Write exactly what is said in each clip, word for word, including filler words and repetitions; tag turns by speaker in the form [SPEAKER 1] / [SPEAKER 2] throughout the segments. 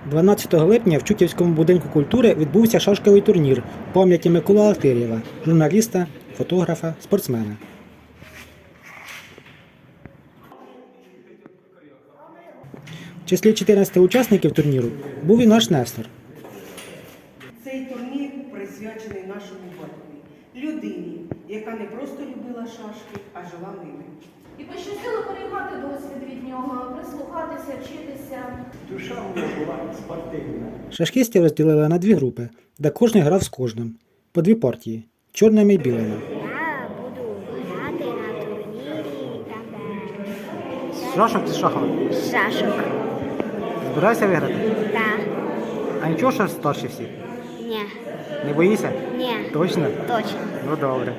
[SPEAKER 1] дванадцятого липня в Чутівському будинку культури відбувся шашковий турнір в пам'яті Миколи Алатирєва, журналіста, фотографа, спортсмена. В числі чотирнадцяти учасників турніру був і наш Нестор.
[SPEAKER 2] Цей турнір присвячений нашому батькові, людині, яка не просто любила шашки, а жила ними.
[SPEAKER 3] І пощастило переймати досвід від нього, прислухатися, вчитися.
[SPEAKER 4] Душа в мене була спортивна.
[SPEAKER 1] Шашкістів розділили на дві групи, де кожен грав з кожним. По дві партії – чорними і білими.
[SPEAKER 5] Я буду грати на турнірі там, де...
[SPEAKER 1] З шашок чи з шахом?
[SPEAKER 5] З шашок.
[SPEAKER 1] Збираєшся виграти?
[SPEAKER 5] Так.
[SPEAKER 1] А нічого, що старші всі?
[SPEAKER 5] Ні.
[SPEAKER 1] Не боїшся?
[SPEAKER 5] Ні.
[SPEAKER 1] Точно?
[SPEAKER 5] Точно.
[SPEAKER 1] Ну добре.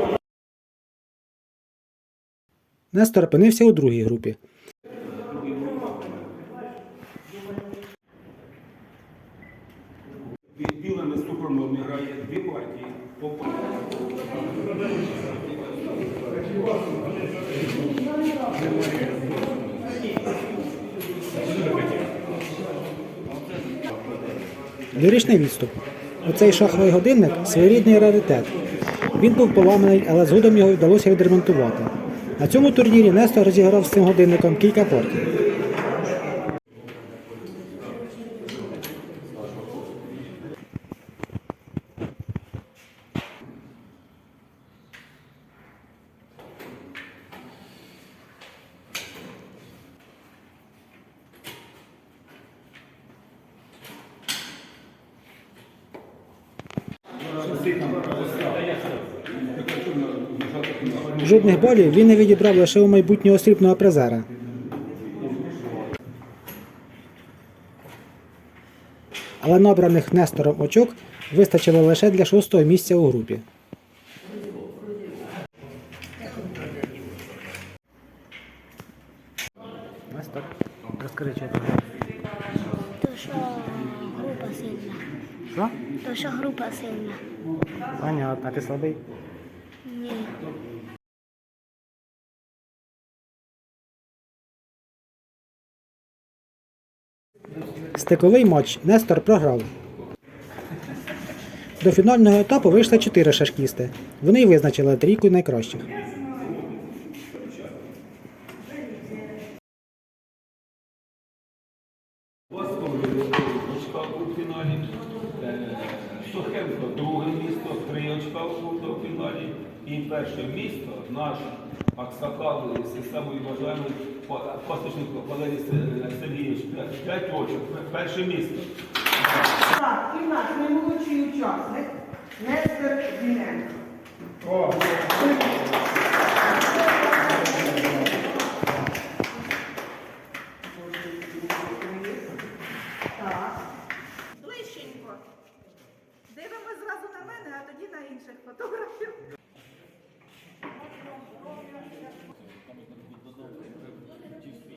[SPEAKER 1] Нестор опинився у другій групі.
[SPEAKER 6] Білими супромовні грає дві партії по партії.
[SPEAKER 1] Ліричний відступ. Оцей шаховий годинник – своєрідний раритет. Він був поламаний, але згодом його вдалося відремонтувати. На цьому турнірі Нестор розіграв з цим годинником кілька партій. Жодних балів він не відібрав лише у майбутнього срібного призера. Але набраних Нестором очок вистачило лише для шостого місця у групі. Нестор, розкажи, що це?
[SPEAKER 5] То, що група сильна.
[SPEAKER 1] Що?
[SPEAKER 5] То, що група сильна.
[SPEAKER 1] Понятно, а ти слабий?
[SPEAKER 5] Ні.
[SPEAKER 1] Стиковий матч Нестор програв. До фінального етапу вийшли чотири шашкісти. Вони й визначили трійку найкращих.
[SPEAKER 6] Очка у фіналі. Сухенко друге місто, три очка у фіналі. І перше місто наш Аксакал, самий вважаємий Пасічник Валерій Сергійович, п'ять очок, перше місто.
[SPEAKER 2] Так, і наш наймолодший учасник Нестор Зіненко. Так.
[SPEAKER 7] Ближченько. Дивимось зразу на мене, а тоді на інших фотографів.